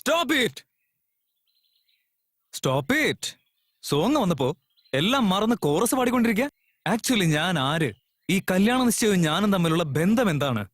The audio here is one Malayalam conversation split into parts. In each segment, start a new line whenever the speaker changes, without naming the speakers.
Stop it, stop it. Song വന്നപ്പോ എല്ലാം മറന്ന് കോറസ് പാടിക്കൊണ്ടിരിക്കുക. ആക്ച്വലി ഞാൻ ആര്? ഈ കല്യാണ നിശ്ചയവും ഞാനും തമ്മിലുള്ള ബന്ധം എന്താണ്?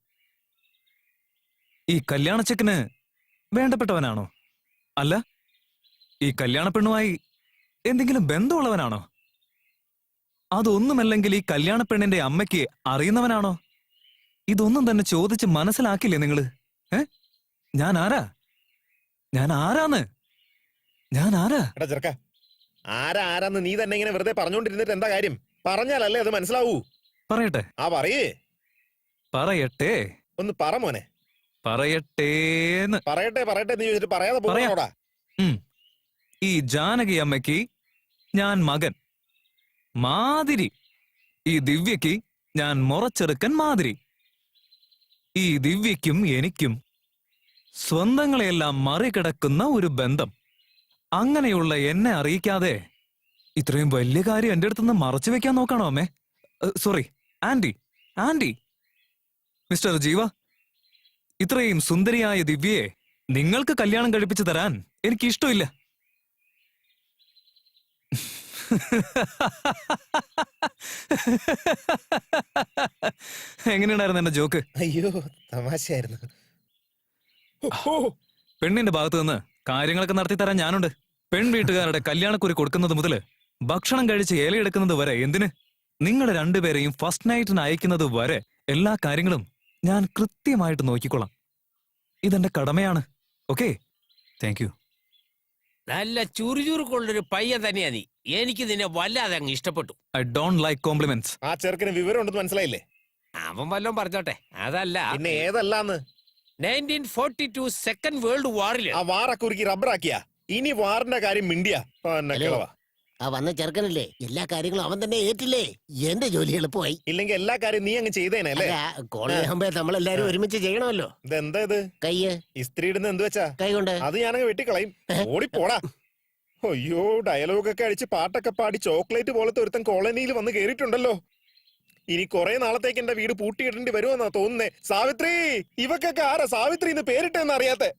ഈ കല്യാണച്ചെക്കന് വേണ്ടപ്പെട്ടവനാണോ? അല്ല, ഈ കല്യാണ പെണ്ണുമായി എന്തെങ്കിലും ബന്ധമുള്ളവനാണോ? അതൊന്നുമല്ലെങ്കിൽ ഈ കല്യാണ പെണ്ണിന്റെ അമ്മയ്ക്ക് അറിയുന്നവനാണോ? ഇതൊന്നും തന്നെ ചോദിച്ച് മനസ്സിലാക്കില്ലേ നിങ്ങള്? ഞാൻ ആരാ? ഞാൻ ആരാന്ന്? ഞാൻ ആരാ?
ചെറുക്ക, ആരാന്ന് നീ തന്നെ ഇങ്ങനെ വെറുതെ പറഞ്ഞോണ്ടിരുന്നിട്ട് എന്താ കാര്യം? പറഞ്ഞാലല്ലേ അത് മനസ്സിലാവൂ.
പറയട്ടെ?
പറയേ.
പറയട്ടെ?
ഒന്ന് പറ മോനെ.
പറയട്ടേന്ന്.
പറയട്ടെ പറയട്ടെ നീ ചോദിച്ചിട്ട് പറയാതെ പോടാ.
ഈ ജാനകി അമ്മയ്ക്ക് ഞാൻ മകൻ മാതിരി, ഈ ദിവ്യക്ക് ഞാൻ മുറച്ചെറുക്കൻ മാതിരി. ഈ ദിവ്യയ്ക്കും എനിക്കും സ്വന്തങ്ങളെയെല്ലാം മറികടക്കുന്ന ഒരു ബന്ധം. അങ്ങനെയുള്ള എന്നെ അറിയിക്കാതെ ഇത്രയും വലിയ കാര്യം എന്റെ അടുത്തുനിന്ന് മറച്ചു വെക്കാൻ നോക്കണോ അമ്മേ? Sorry, anti. ആന്റി, മിസ്റ്റർ ജീവ, ഇത്രയും സുന്ദരിയായ ദിവ്യയെ നിങ്ങൾക്ക് കല്യാണം കഴിപ്പിച്ചു തരാൻ എനിക്ക് ഇഷ്ടമില്ല. എങ്ങനെയുണ്ടായിരുന്നു എന്റെ ജോക്ക്?
അയ്യോ, തമാശയായിരുന്നു.
പെണ്ണിന്റെ ഭാഗത്ത് നിന്ന് കാര്യങ്ങളൊക്കെ നടത്തി തരാൻ ഞാനുണ്ട്. പെൺ വീട്ടുകാരുടെ കല്യാണക്കുറി കൊടുക്കുന്നത് മുതല് ഭക്ഷണം കഴിച്ച് ഇലയെടുക്കുന്നത് വരെ, എന്തിന് നിങ്ങളെ രണ്ടുപേരെയും ഫസ്റ്റ് നൈറ്റിന് അയക്കുന്നത് വരെ എല്ലാ കാര്യങ്ങളും ഞാൻ കൃത്യമായിട്ട് നോക്കിക്കൊള്ളാം. ഇതെന്റെ കടമയാണ്. Okay, thank you.
നല്ല ചുറുചുറുക്കുള്ളൊരു പയ്യൻ തന്നെയാ നീ. എനിക്ക് നിന്നെ വല്ലാതെ അങ്ങ് ഇഷ്ടപ്പെട്ടു.
I don't like compliments.
ആ ചെറുക്കിന് വിവരം ഉണ്ടെന്ന് മനസ്സിലായില്ലേ?
അവൻ വല്ലതും പറഞ്ഞോട്ടെ. അതല്ല,
പിന്നെ ഏതല്ലാന്ന്?
1942 സെക്കൻഡ് വേൾഡ് വാറില്
ആ വാറൊക്കെ ഉരുക്കി റബ്ബറാക്കിയ ഇനി വാറിന്റെ കാര്യം മിണ്ടിയാ
ആ വന്ന ചെറുക്കനല്ലേ, എല്ലാ കാര്യങ്ങളും അവൻ തന്നെ ഏറ്റില്ലേ? എന്റെ ജോലി എളുപ്പമായി.
ഇല്ലെങ്കിൽ എല്ലാ കാര്യം നീ അങ്ങ് ചെയ്തേനല്ലേ?
കോളേജ് ആകുമ്പോ നമ്മളെല്ലാരും ഒരുമിച്ച് ചെയ്യണമല്ലോ.
ഇതെന്താ ഇത്?
കയ്യ്
ഇസ്ത്രി ഇടുന്ന എന്ത് വെച്ചാ?
കൈ കൊണ്ട്.
അത് ഞാനങ്ങ് വെട്ടിക്കളയും. ഓടിപ്പോടാ. അയ്യോ, ഡയലോഗൊക്കെ അടിച്ച് പാട്ടൊക്കെ പാടി ചോക്ലേറ്റ് പോലത്തെ ഒരുത്തൻ കോളനിയിൽ വന്ന് കേറിയിട്ടുണ്ടല്ലോ. ഇനി കുറെ നാളത്തേക്ക് എന്റെ വീട് പൂട്ടിയിടേണ്ടി വരുമെന്നാ തോന്നുന്നേ. സാവിത്രി, ഇവക്കൊക്കെ ആരാ സാവിത്രി എന്ന് പേരിട്ടെന്ന് അറിയാത്തെ?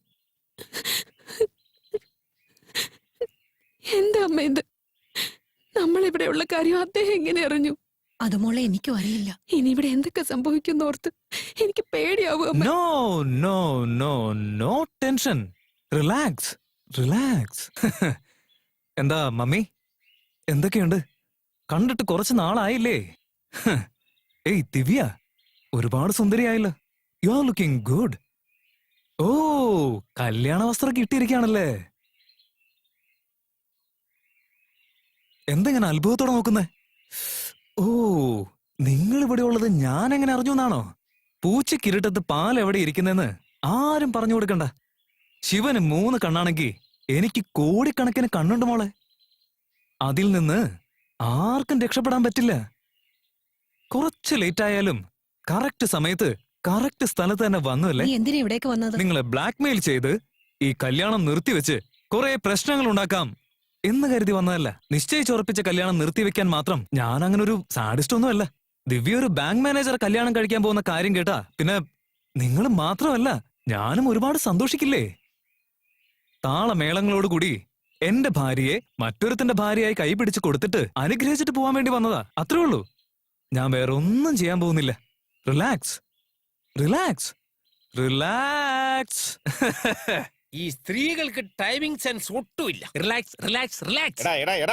എന്താ അമ്മ ഇത്? നമ്മളിവിടെയുള്ള കാര്യം അദ്ദേഹം എങ്ങനെ അറിഞ്ഞു?
അത് മോളെ എനിക്കും അറിയില്ല.
ഇനി ഇവിടെ എന്തൊക്കെ സംഭവിക്കുന്ന ഓർത്ത് എനിക്ക് പേടിയാവും.
No no no no tension. Relax, relax. എന്താ മമ്മി, എന്തൊക്കെയുണ്ട്? കണ്ടിട്ട് കുറച്ച് നാളായില്ലേ? ഏയ് ദിവ്യ, ഒരുപാട് സുന്ദരിയായല്ലോ. You are looking good. ഓ, കല്യാണ വസ്ത്രം കിട്ടിയിരിക്കുകയാണല്ലേ? എന്തെങ്ങനെ അത്ഭുതത്തോടെ നോക്കുന്നേ? ഓ, നിങ്ങൾ ഇവിടെ ഉള്ളത് ഞാൻ എങ്ങനെ അറിഞ്ഞു എന്നാണോ? പൂച്ചക്കിരുട്ടത്ത് പാൽ എവിടെ ഇരിക്കുന്നെന്ന് ആരും പറഞ്ഞു കൊടുക്കണ്ട. ശിവന് 3 കണ്ണാണെങ്കിൽ എനിക്ക് കോടിക്കണക്കിന് കണ്ണുണ്ട് മോളെ. അതിൽ നിന്ന് ആർക്കും രക്ഷപ്പെടാൻ പറ്റില്ല. കുറച്ച് ലേറ്റ് ആയാലും കറക്റ്റ് സമയത്ത് കറക്റ്റ് സ്ഥലത്ത് തന്നെ വന്നല്ലേ.
എന്തിനാ ഇവിടേക്ക് വന്നത്?
നിങ്ങളെ ബ്ലാക്ക്മെയിൽ ചെയ്ത് ഈ കല്യാണം നിർത്തിവെച്ച് കുറെ പ്രശ്നങ്ങൾ ഉണ്ടാക്കാം എന്ന് കരുതി വന്നതല്ല. നിശ്ചയിച്ചുറപ്പിച്ച കല്യാണം നിർത്തിവെക്കാൻ മാത്രം ഞാൻ അങ്ങനെ ഒരു സാഡിസ്റ്റ് ഒന്നുമല്ല. ദിവ്യ ഒരു ബാങ്ക് മാനേജർ കല്യാണം കഴിക്കാൻ പോകുന്ന കാര്യം കേട്ടാ പിന്നെ നിങ്ങൾ മാത്രമല്ല ഞാനും ഒരുപാട് സന്തോഷിക്കില്ലേ? താളമേളങ്ങളോടുകൂടി എന്റെ ഭാര്യയെ മറ്റൊരുത്തിന്റെ ഭാര്യയായി കൈപിടിച്ച് കൊടുത്തിട്ട് അനുഗ്രഹിച്ചിട്ട് പോവാൻ വേണ്ടി വന്നതാ. അത്രേ ഉള്ളൂ. ഞാൻ വേറെ ഒന്നും ചെയ്യാൻ പോകുന്നില്ല. Relax, relax, relax.
ഈ സ്ത്രീകൾക്ക് ടൈമിംഗ് സെൻസ് ഒട്ടുമില്ല. Relax, relax, relax.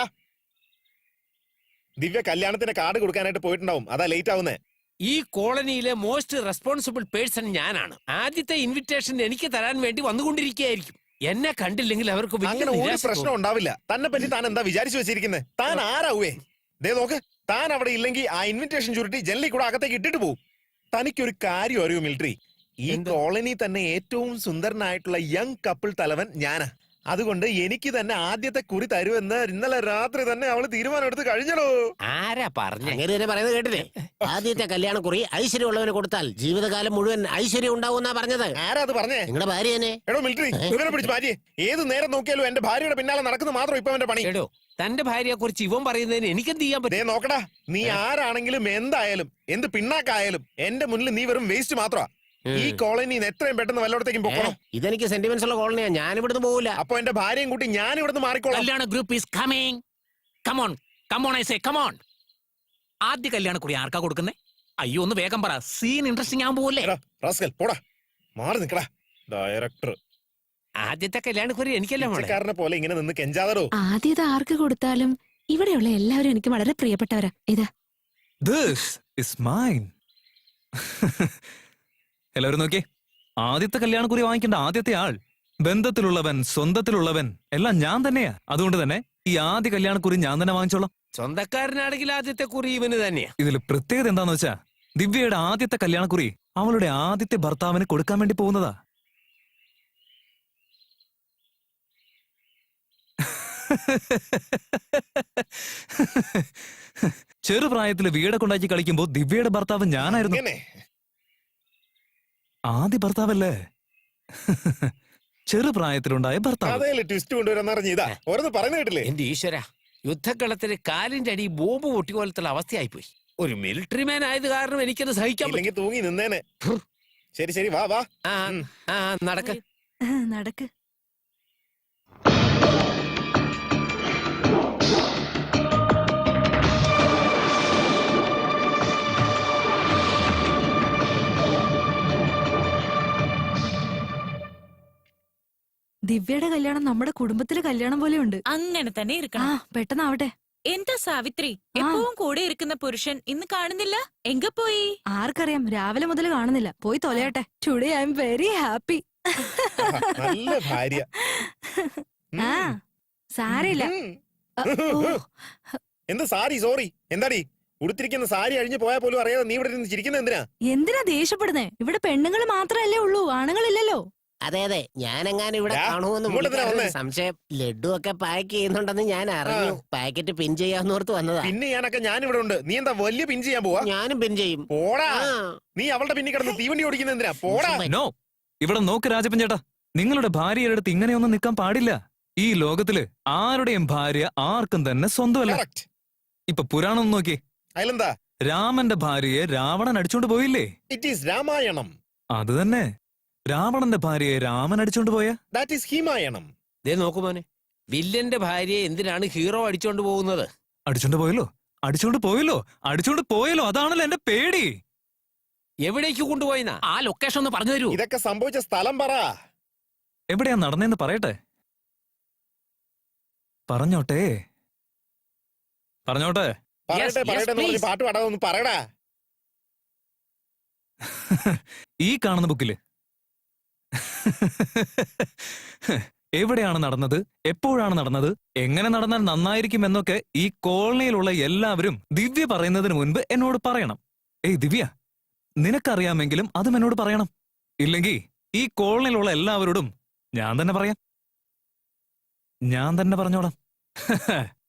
ദിവ്യ കല്യാണത്തിന്റെ കാർഡ് കൊടുക്കാനായിട്ട് പോയിട്ടുണ്ടാവും, അതാ ലേറ്റ് ആവുന്നേ.
ഈ കോളനിയിലെ മോസ്റ്റ് റെസ്പോൺസിബിൾ പേഴ്സൺ ഞാനാണ്. ആദ്യത്തെ ഇൻവിറ്റേഷൻ എനിക്ക് തരാൻ വേണ്ടി വന്നുകൊണ്ടിരിക്കുകയായിരിക്കും. എന്നെ കണ്ടില്ലെങ്കിൽ അവർക്ക്
അങ്ങനെ ഒരു പ്രശ്നം ഉണ്ടാവില്ല. തന്നെ പറ്റി താൻ എന്താ വിചാരിച്ചു വെച്ചിരിക്കുന്നത്? താൻ ആരാവേ? ദേ നോക്ക്, താൻ അവിടെ ഇല്ലെങ്കിൽ ആ ഇൻവിറ്റേഷൻ ചുരുട്ടി ജനലിൽ കൂടെ അകത്തേക്ക് ഇട്ടിട്ട് പോകും. തനിക്കൊരു കാര്യം അറിയൂ മിലിറ്ററി, ഈ കോളനി തന്നെ ഏറ്റവും സുന്ദരനായിട്ടുള്ള യങ് കപ്പിൾ തലവൻ ഞാനാ. അതുകൊണ്ട് എനിക്ക് തന്നെ ആദ്യത്തെ കുറി തരുമെന്ന് ഇന്നലെ രാത്രി തന്നെ അവള് തീരുമാനം എടുത്ത് കഴിഞ്ഞല്ലോ.
ആരാ പറഞ്ഞ?
അങ്ങനെ പറയുന്നത് കേട്ടില്ലേ? ആദ്യത്തെ കല്യാണക്കുറി ഐശ്വര്യമുള്ളവന് കൊടുത്താൽ ജീവിതകാലം മുഴുവൻ ഐശ്വര്യം ഉണ്ടാവുന്നാ പറഞ്ഞത്.
ആരാ അത് പറഞ്ഞേ?
നിങ്ങളുടെ ഭാര്യ തന്നെ.
എടോ മിലിറ്ററി, ഇവനെ പിടിച്ച് ഭാര്യ ഏത് നേരം നോക്കിയാലും എന്റെ ഭാര്യയുടെ പിന്നാലെ നടക്കുന്നത് മാത്രം ഇപ്പൊ അവന്റെ പണി.
എടോ, തന്റെ ഭാര്യയെ കുറിച്ച് ഇവൻ പറയുന്നതിന് എനിക്കെന്ത് ചെയ്യാൻ പറ്റും?
നോക്കടാ, നീ ആരാണെങ്കിലും എന്തായാലും എന്ത് പിണ്ണാക്കായാലും എന്റെ മുന്നിൽ നീ വെറും വേസ്റ്റ് മാത്രമാ. ഈ കോളനിയിൽ നിന്ന് എത്രയും പെട്ടെന്ന് വല്ലയിടത്തേക്കും പോകണം.
ഇതെനിക്ക് സെന്റിമെന്റ്സ് ഉള്ള കോളനിയാ, ഞാൻ ഇവിടുന്ന് പോകില്ല.
അപ്പൊ എന്റെ ഭാര്യയും കൂട്ടി ഞാൻ ഇവിടുന്ന് മാറിക്കോളാം.
കല്യാണ group is coming. Come on come on I say come on. ആദ്യ കല്യാണക്കുറി ആർക്കാ കൊടുക്കുന്നേ? അയ്യോ ഒന്ന് വേഗം പറ, സീൻ ഇൻട്രസ്റ്റിംഗ് ആവാൻ പോവല്ലേ.
എടാ, റാസ്കൽ, പോടാ, മാറി നിക്കടാ. ഡയറക്ടർ
ആദ്യത്തെ കല്യാണക്കുറി എനിക്കല്ലേ മോളെ.
പിച്ചക്കാരനെ പോലെ ഇങ്ങനെ നിന്ന് കെഞ്ചാതടോ.
ആദ്യത ആർക്ക് കൊടുത്താലും ഇവിടെയുള്ള എല്ലാവരും എനിക്ക് വളരെ പ്രിയപ്പെട്ടവരാ. ഇതാ
ദിസ് ഇസ് മൈൻ. എല്ലാവരും നോക്കിയേ, ആദ്യത്തെ കല്യാണക്കുറി വാങ്ങിക്കേണ്ട ആദ്യത്തെ ആൾ, ബന്ധത്തിലുള്ളവൻ സ്വന്തത്തിലുള്ളവൻ എല്ലാം ഞാൻ തന്നെയാ. അതുകൊണ്ട് തന്നെ ഈ ആദ്യ കല്യാണക്കുറി ഞാൻ തന്നെ വാങ്ങിച്ചോളാം.
സ്വന്തക്കാരനാണെങ്കിൽ ആദ്യത്തെ കുറി ഇവന് തന്നെയാ.
ഇതിൽ പ്രത്യേകത എന്താന്ന് വെച്ചാ, ദിവ്യയുടെ ആദ്യത്തെ കല്യാണക്കുറി അവളുടെ ആദ്യത്തെ ഭർത്താവിന് കൊടുക്കാൻ വേണ്ടി പോകുന്നതാ. ചെറുപ്രായത്തില് വീടൊക്കെ ഉണ്ടാക്കി കളിക്കുമ്പോ ദിവ്യയുടെ ഭർത്താവ് ഞാനായിരുന്നു.
ഇങ്ങനെ
ആദ്യ ഭർത്താവല്ലേ? ചെറുപ്രായത്തിലുണ്ടായ ഭർത്താവ്.
അതേല് ട്വിസ്റ്റ് കൊണ്ടുവരാന്ന് പറഞ്ഞ ഇതാ ഓരോന്ന് പറഞ്ഞു കേട്ടില്ലേ.
എന്റെ ഈശ്വര, യുദ്ധക്കളത്തിന് കാലിന്റെ അടി ബോംബ് പൊട്ടിക്കോലത്തുള്ള അവസ്ഥയായിപ്പോയി. ഒരു മിലിറ്ററി മാൻ ആയത് കാരണം എനിക്കത് സഹിക്കാൻ പറ്റും.
ഇല്ലെങ്കിൽ തൂങ്ങി നിന്നേനെ. ശരി ശരി, വാ വാ.
ആ ആ നടക്ക്.
നടക്ക്. ദിവ്യയുടെ കല്യാണം നമ്മുടെ കുടുംബത്തിലെ കല്യാണം പോലെ ഉണ്ട്.
അങ്ങനെ തന്നെ
ആ
ഇരിക്കണം.
പെട്ടെന്നാവട്ടെ.
എന്താ സാവിത്രി, എപ്പോഴും കൂടെ ഇരിക്കുന്ന പുരുഷൻ ഇന്ന് കാണുന്നില്ല? എങ്ക പോയി?
ആർക്കറിയാം, രാവിലെ മുതൽ കാണുന്നില്ല. പോയി തൊലയട്ടെ. Today I am very happy.
നല്ല ഭാര്യ.
ആ സാരില്ല.
എന്ത് സാരി സോറി എന്താടി ഉടുത്തിരിക്കുന്ന സാരി അഴിഞ്ഞു പോയാൽ പോലും അറിയാതെ നീ ഇവിടെ ഇരുന്ന് ചിരിക്കുന്നത് എന്തിനാ?
എന്തിനാ ദേഷ്യപ്പെടുന്നേ? ഇവിടെ പെണ്ണുങ്ങൾ മാത്രമല്ലേ ഉള്ളൂ, ആണുങ്ങളില്ലല്ലോ.
അതെ അതെ, ഞാനെങ്ങാനും ഇവിടെ
ഡാ,
കാണുമെന്ന്
ഇങ്ങോട്ട് എന്തിനാ
പുള്ളിക്കാരന്
വന്നേ?
സംശയം. ലഡു ഒക്കെ പാക്ക് ചെയ്യുന്നുണ്ടെന്ന് ഞാൻ അറിഞ്ഞു. പാക്കറ്റ് പിൻ ചെയ്യാന്നോർത്ത് വന്നതാ.
പിന്നെ ഞാനൊക്കെ ഞാൻ ഇവിടെ ഉണ്ട്. നീ എന്താ വലിയ പിൻ ചെയ്യാൻ പോവാ?
ഞാനും പിൻ ചെയ്യും.
പോടാ.
ആ.
നീ അവളുടെ പിന്നിൽ കിടന്ന് തീവണ്ടി ഓടിക്കുന്ന എന്തിനാ? പോടാ.
നോ, ഇവിടെ നോക്ക് രാജപ്പൻ ചേട്ടാ, നിങ്ങളുടെ ഭാര്യയുടെ അടുത്ത് ഇങ്ങനെയൊന്നും നിൽക്കാൻ പാടില്ല. ഈ ലോകത്തില് ആരുടെയും ഭാര്യ ആർക്കും തന്നെ സ്വന്തമല്ല.
Correct.
ഇപ്പൊ പുരാണം നോക്കി,
അതിലെന്താ?
രാമന്റെ ഭാര്യയെ രാവണൻ അടിച്ചോണ്ട് പോയില്ലേ?
It is Ramayanam.
അത് തന്നെ, രാവണന്റെ ഭാര്യയെ രാമൻ അടിച്ചോണ്ട് പോയ.
That is ഹിമായണം.
ദേ നോക്കു മോനെ, വില്ലന്റെ ഭാര്യയെ എന്തിനാണ് ഹീറോ അടിച്ചോണ്ട് പോകുന്നത്?
അടിച്ചോണ്ട് പോയല്ലോ, അടിച്ചോണ്ട് പോയല്ലോ, അടിച്ചോണ്ട് പോയല്ലോ. അതാണല്ലോ എന്റെ പേടി.
എവിടേക്ക് കൊണ്ടുപോയിന്നാ?
ആ ലൊക്കേഷൻ ഒന്ന് പറഞ്ഞു തരൂ.
ഇതൊക്കെ സംഭവിച്ച സ്ഥലം പറ.
എവിടെയാ നടന്നേന്ന് പറയട്ടെ. പറഞ്ഞോട്ടെ പറഞ്ഞോട്ടെ.
പറയട്ടെ
yes,
പറയട്ടെ എന്ന് പറഞ്ഞ്
please.
പാട്ട് പാടാതെ ഒന്ന് പറയടാ.
ഈ കാണുന്ന ബുക്കില്. എവിടെയാണ് നടന്നത്, എപ്പോഴാണ് നടന്നത്, എങ്ങനെ നടന്നാൽ നന്നായിരിക്കും എന്നൊക്കെ ഈ കോളനിയിലുള്ള എല്ലാവരും ദിവ്യ പറയുന്നതിന് മുൻപ് എന്നോട് പറയണം. ഏയ് ദിവ്യ, നിനക്കറിയാമെങ്കിലും അതും എന്നോട് പറയണം. ഇല്ലെങ്കിൽ ഈ കോളനിയിലുള്ള എല്ലാവരോടും ഞാൻ തന്നെ പറയാം. ഞാൻ തന്നെ പറഞ്ഞോളാം.